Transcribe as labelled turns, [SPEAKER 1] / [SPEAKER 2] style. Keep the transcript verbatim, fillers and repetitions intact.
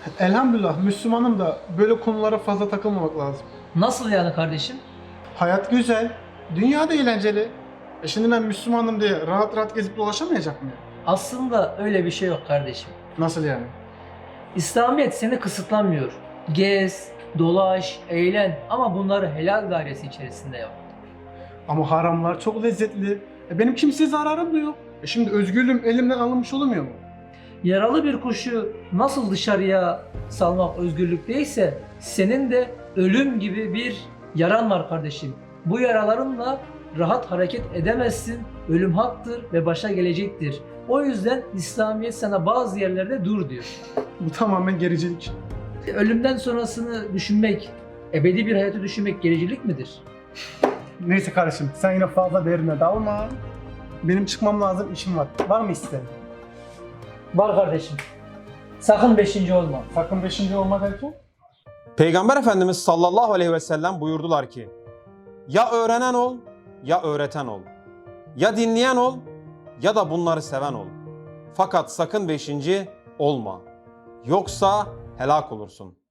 [SPEAKER 1] Elhamdülillah Müslümanım da böyle konulara fazla takılmamak lazım.
[SPEAKER 2] Nasıl yani kardeşim?
[SPEAKER 1] Hayat güzel, dünya da eğlenceli. E şimdi ben Müslümanım diye rahat rahat gezip dolaşamayacak mıyım?
[SPEAKER 2] Aslında öyle bir şey yok kardeşim.
[SPEAKER 1] Nasıl yani?
[SPEAKER 2] İslamiyet seni kısıtlamıyor. Gez, dolaş, eğlen ama bunları helal dairesi içerisinde yap.
[SPEAKER 1] Ama haramlar çok lezzetli. E benim kimseye zararım da yok. E şimdi özgürlüğüm elimden alınmış olmuyor mu?
[SPEAKER 2] Yaralı bir kuşu nasıl dışarıya salmak özgürlük değilse senin de ölüm gibi bir yaran var kardeşim. Bu yaralarınla rahat hareket edemezsin. Ölüm haktır ve başa gelecektir. O yüzden İslamiyet sana bazı yerlerde dur diyor.
[SPEAKER 1] Bu tamamen gericilik.
[SPEAKER 2] Ölümden sonrasını düşünmek, ebedi bir hayatı düşünmek gericilik midir?
[SPEAKER 1] Neyse kardeşim sen yine fazla derine dalma. Benim çıkmam lazım, işim var. Var mı isteğin?
[SPEAKER 2] Var kardeşim. Sakın beşinci olma.
[SPEAKER 1] Sakın beşinci olma derken?
[SPEAKER 3] Peygamber Efendimiz sallallahu aleyhi ve sellem buyurdular ki, ya öğrenen ol, ya öğreten ol. Ya dinleyen ol, ya da bunları seven ol. Fakat sakın beşinci olma. Yoksa helak olursun.